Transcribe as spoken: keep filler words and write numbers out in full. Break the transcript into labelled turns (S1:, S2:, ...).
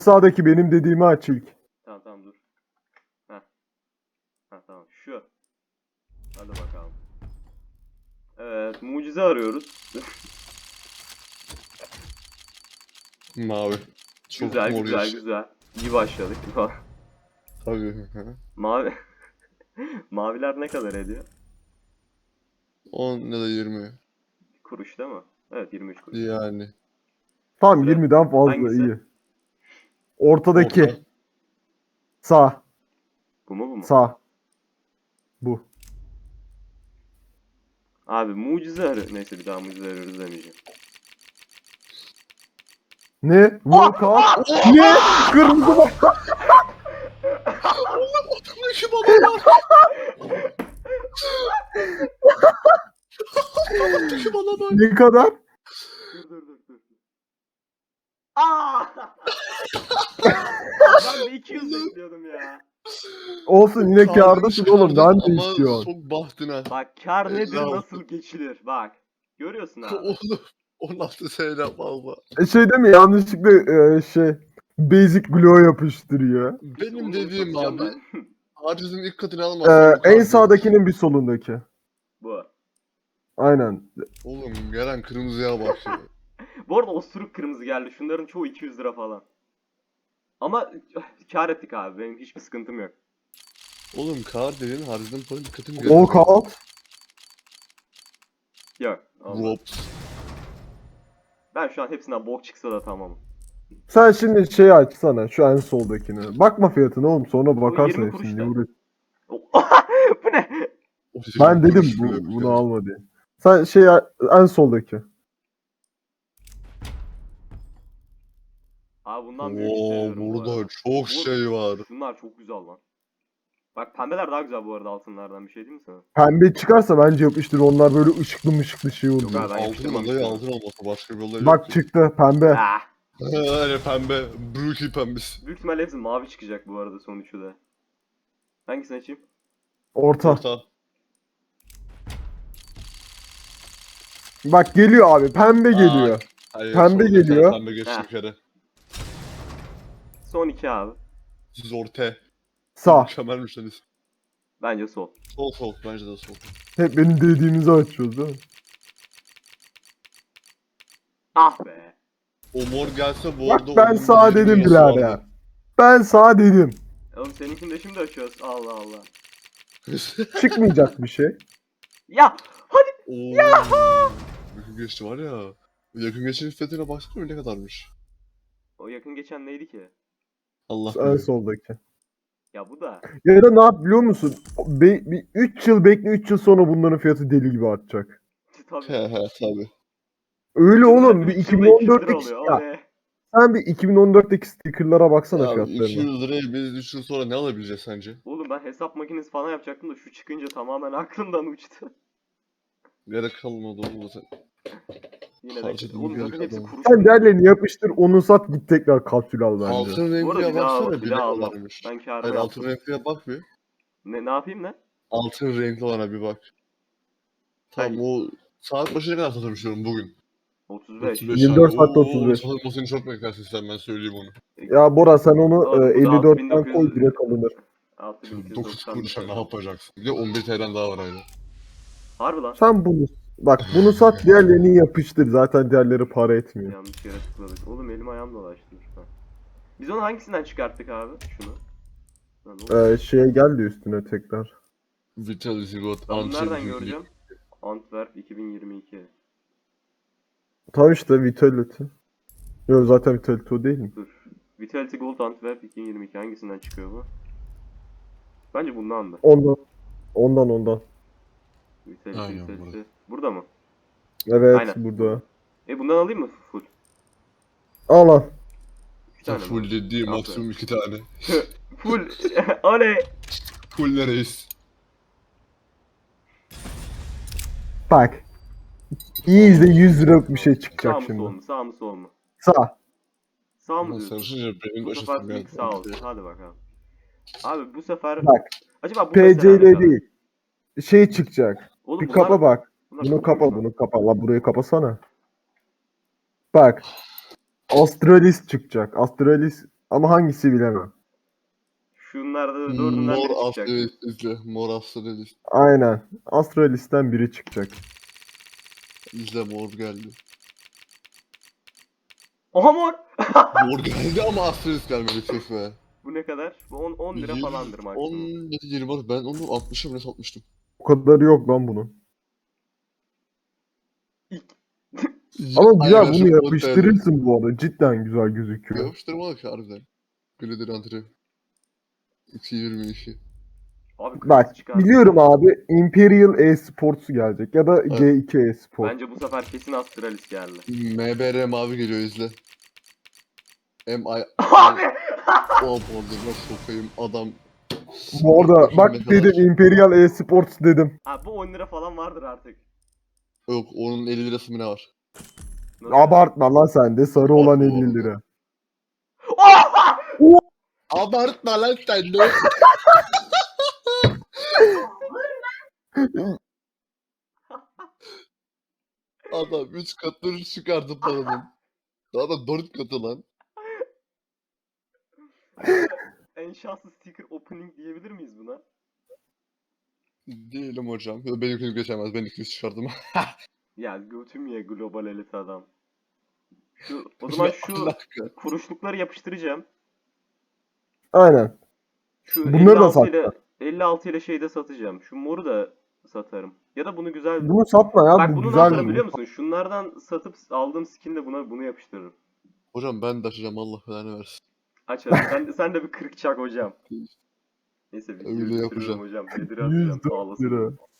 S1: Sağdaki benim dediğimi aç ilk.
S2: Tamam tamam dur. Heh. Heh tamam şu. Hadi bakalım. Evet mucize arıyoruz.
S3: Mavi. Çok
S2: güzel
S3: mor
S2: güzel
S3: yaş.
S2: güzel. İyi başladık.
S3: Tabii. hı.
S2: Mavi. Maviler ne kadar ediyor?
S3: on ya da yirmi.
S2: Kuruş değil mi? Evet yirmi üç kuruş.
S3: Yani.
S1: Tamam
S2: Sıra-
S1: yirmiden fazla
S2: Hangisi?
S1: iyi. Ortadaki.
S3: Orta.
S1: Sağ.
S2: Bu mu bu mu?
S1: Sağ. Bu.
S2: Abi mucize arıyor. Neyse bir daha mucize arıyoruz demeyeceğim.
S1: Ne? Volkan. Ne? Kırmızı bak.
S3: Şu baba var. Şu bana bak.
S1: Ne kadar?
S2: Dur dur dur dur. Aa! Ben de iki yüz bekliyordum ya.
S1: Olsun yine
S3: Karnını
S1: kârdasın oğlum.
S3: çıkardın
S1: Ben de
S3: ama
S1: istiyorum.
S3: Çok bahtına.
S2: Bak kar nedir
S3: Helal
S2: nasıl geçilir bak. Görüyorsun abi.
S3: Oğlum. on altı sene fazla.
S1: E şey değil mi? Yanlışlıkla e, şey Basic Glow yapıştırıyor.
S3: Benim
S2: Onu
S3: dediğim
S2: satacağım
S3: abi.
S2: ben.
S3: Harcının ilk katını
S1: Ee,
S3: almazsan.
S1: en sağdakinin bir solundaki.
S2: Bu.
S1: Aynen.
S3: Oğlum gelen kırmızıya bak ya.
S2: Bu arada osuruk kırmızı geldi. Şunların çoğu iki yüz lira falan. Ama kar ettik abi. Benim hiçbir sıkıntım yok.
S3: Oğlum kar dediğin harcının paranın dikkatini
S1: Walkout.
S2: Yok. Allah.
S3: Rops.
S2: Ben şu an hepsinden bok çıksa da tamamım.
S1: Sen şimdi şeyi açsana şu en soldakini. Bakma fiyatına oğlum sonra bakarsın
S2: yirmi kuruş
S1: hepsini.
S2: da.
S1: Niye uğraş-
S2: Bu ne?
S1: Ben dedim bu, bunu alma diye. Sen şey en soldaki.
S2: Abi bundan büyük
S3: Oo,
S2: hissediyorum bu
S3: burada
S2: arada.
S3: çok
S2: Bu-
S3: şey var.
S2: Şunlar çok güzel lan. Bak pembeler daha güzel bu arada altınlardan bir şey değil mi sana?
S1: Pembe çıkarsa bence yapıştır. Onlar böyle ışıklı mışıklı şey oluyor.
S2: Yok abi ben
S3: Altın
S2: yapıştırmam
S3: olayı
S2: istiyorum.
S3: altın olması başka bir olay
S1: Bak
S3: yok ki.
S1: çıktı pembe.
S2: Ah.
S3: Öyle pembe. Brooklyn pembesi.
S2: Büyük ihtimalle hepsi mavi çıkacak bu arada son üçü de. Hangisini açayım?
S1: Orta.
S3: Orta.
S1: Bak geliyor abi. Pembe
S3: Aa,
S1: geliyor.
S3: Hayır,
S1: Pembe
S3: sonra bir tane
S1: geliyor.
S3: Pembe geçti
S2: Ha.
S3: bir kere.
S2: Son iki abi.
S3: Siz orta.
S1: Sağ.
S3: Mükemmelmiş lan isim.
S2: Bence sol.
S3: Sol sol. Bence de sol.
S1: Hep benim dediğimizi açıyoruz değil mi?
S2: Ah be.
S3: O mor gelse bu
S1: Bak
S3: arada...
S1: ben
S3: onun
S1: sağ
S3: yirmi
S1: dedim
S3: lirası
S1: birader.
S3: vardı.
S1: Ben sağ dedim.
S2: Oğlum seninkini de şimdi açıyoruz. Allah Allah.
S1: Çıkmayacak bir şey.
S2: Ya hadi.
S3: Oo. Yakın geçti var ya. Yakın geçenin fiyatına baksana ne kadarmış.
S2: O yakın geçen neydi ki?
S3: Allah
S1: En
S3: bilir.
S1: soldaki.
S2: Ya bu da.
S1: Ya da ne yap biliyor musun? Be- bir üç yıl bekle üç yıl sonra bunların fiyatı deli gibi artacak.
S2: Tabii.
S3: He he tabi.
S1: Öyle oğlum. Bir
S2: üç yılda iki yüz lira
S1: iki bin on dörtteki
S2: oluyor. O
S1: ya,
S2: ne?
S1: sen bir iki bin on dörtteki stickerlara baksana
S3: Ya iki
S1: fiyatlarına.
S3: yüz liraya biz üç yıl sonra ne alabileceğiz sence?
S2: Oğlum ben hesap makinesi falan yapacaktım da şu çıkınca tamamen aklımdan uçtu.
S3: Gerek kalmadı oğlum zaten.
S2: Yine de.
S3: Harcadım,
S2: Oğlum
S3: geri
S2: zaten hepsi
S3: kazandım.
S2: kuruş.
S1: Sen diğerlerini yapıştır onu sat git tekrar kapsül al bence.
S3: Altın
S2: Bu arada
S3: renkliye
S2: bir daha,
S3: baksana
S2: bir
S3: bir
S2: daha
S3: ne
S2: almam.
S3: kadarmış.
S2: Ben kârımı
S3: Hayır altın
S2: yaptım.
S3: renkliye bak bir.
S2: Ne, ne yapayım ne?
S3: Altın renkli olana bir bak. Tamam
S2: Hangi?
S3: o saat başı ne kadar satılmış diyorum bugün.
S2: otuz beş.
S1: yirmi dört saatte
S3: Oo,
S1: otuz beş.
S3: satılmasını çok beklersin sen ben söyleyeyim onu.
S1: Ya Bora sen onu
S2: Doğru,
S1: e,
S2: bu da
S1: elli dörtten
S2: altı bin dokuz yüz
S1: koy direkt alınır.
S2: altı bin iki yüz
S3: dokuz
S2: doksan
S3: kuruşa
S2: bir
S3: ne
S2: tane.
S3: yapacaksın? Bir de on bir T L'den daha var aynı.
S2: Harbi lan.
S1: Sen bunu bak bunu sat diğerlerini yapıştır. Zaten diğerleri para etmiyor.
S2: Yanlış yere tıkladık. Oğlum elim ayağım dolaştı lütfen. Biz onu hangisinden çıkarttık abi? Şunu. Lan ne oldu?
S1: Ee, şeye geldi üstüne tekrar.
S3: Vitality God
S2: Ben bunu
S3: Antrim
S2: nereden
S3: Hügli.
S2: göreceğim? Antwerp iki bin yirmi iki.
S1: Tam işte Vitality. Yok zaten Vitality o değil mi?
S2: Dur. Vitality Gold Antwerp iki bin yirmi iki hangisinden çıkıyor bu? Bence bundan da.
S1: Ondan. Ondan ondan.
S2: Vitality,
S3: Aynen,
S2: Vitality.
S3: burada.
S2: Burada mı?
S1: Evet
S2: Aynen.
S1: burada.
S2: E bundan alayım mı full?
S1: Al al.
S2: İki tane
S3: Full
S2: mi?
S3: dediği
S2: Aferin.
S3: maksimum iki tane.
S2: Full. Oley.
S3: Full ne reis?
S1: Bak. İyi izle yüz lira bir şey
S2: Sağ
S1: çıkacak
S2: mı sol
S1: şimdi.
S2: mu? Sağ mı sol mu?
S1: Sağ.
S2: Sağ mı
S3: Ulan
S2: diyorsun?
S3: sarışınca benim
S2: Bu
S3: de
S2: sefer
S3: aşasım
S2: ilk sağ olsun. Hadi bakalım. Abi bu sefer...
S1: Bak.
S2: Acaba bu
S1: P
S2: mesela
S1: C
S2: ne
S1: ile
S2: kadar?
S1: değil. Şey çıkacak.
S2: Oğlum
S1: Bir
S2: bunlar-
S1: kapa bak.
S2: bunlar
S1: Bunu
S2: çok
S1: kapa
S2: iyiymiş lan.
S1: bunu kapa. La burayı kapasana. Bak. Astralis çıkacak. Astralis Ama hangisi bilemem.
S2: Şunlarda dördünden
S3: Mor
S2: biri çıkacak.
S3: Astralis izle. Mor Astralis.
S1: Aynen. Astralis'ten biri çıkacak.
S3: İzle mor geldi.
S2: Oha mor!
S3: Mor geldi ama Astralis gelmedi tüh be.
S2: Bu ne kadar? Bu on, on lira
S3: Yüz-
S2: falandır maksimum.
S3: on ya da yirmi var. Ben onu altmışa bile satmıştım.
S1: O kadarı yok lan bunun.
S2: İlk-
S1: Ama güzel
S3: Aynen, şu
S1: bunu
S3: on T L.
S1: yapıştırırsın bu arada. Cidden güzel gözüküyor.
S3: Yapıştırma ki harbiden. Glider Antri. iki yirmi işi.
S2: Abi kırmızı
S1: Bak
S2: çıkardı.
S1: biliyorum abi Imperial E-Sports gelecek ya da G iki E-Sport.
S2: Bence bu sefer kesin Astralis geldi.
S3: M B R mavi geliyor izle. M I
S2: Abi!
S3: O bozulma sokayım adam.
S1: Bu arada
S3: Bakayım
S1: bak
S3: ne kadar.
S1: dedim Imperial E-Sports dedim.
S2: Abi bu on lira falan vardır artık.
S3: Yok onun elli lirası mı ne var?
S2: Nasıl?
S1: Abartma lan sen de sarı olan
S3: Abi,
S1: elli
S3: bu
S1: lira.
S2: Oha!
S3: Abartma lan sen de. Adam üç katını çıkardı paranın. Daha da dört katı lan.
S2: En şanslı sticker opening diyebilir miyiz buna?
S3: Değilim hocam. Benimkini geçemez. Ben ikisi çıkardım.
S2: Ya götüm ye global elit adam. Şu, o zaman şu
S3: Alaka.
S2: kuruşlukları yapıştıracağım.
S1: Aynen.
S2: Şu
S1: Bunları da
S2: elli altı ile
S1: satma.
S2: elli altı ile şeyde satacağım. Şu moru da satarım. Ya da bunu güzel...
S1: Bunu satma ya
S2: Bak
S1: bu
S2: bunu ne
S1: güzel
S2: yaparım
S1: mi?
S2: biliyor musun? Şunlardan satıp aldığım skinle buna bunu yapıştırırım.
S3: Hocam ben de açacağım Allah belanı versin.
S2: Aç hadi. Sen de, sen de bir kırık çak hocam. Neyse videoyu
S3: Öyle
S2: bitiriyorum
S3: yapacağım.
S2: hocam. Bedir'i
S1: yüz
S2: atacağım. Sağ
S1: dört
S2: olasın.
S1: lira.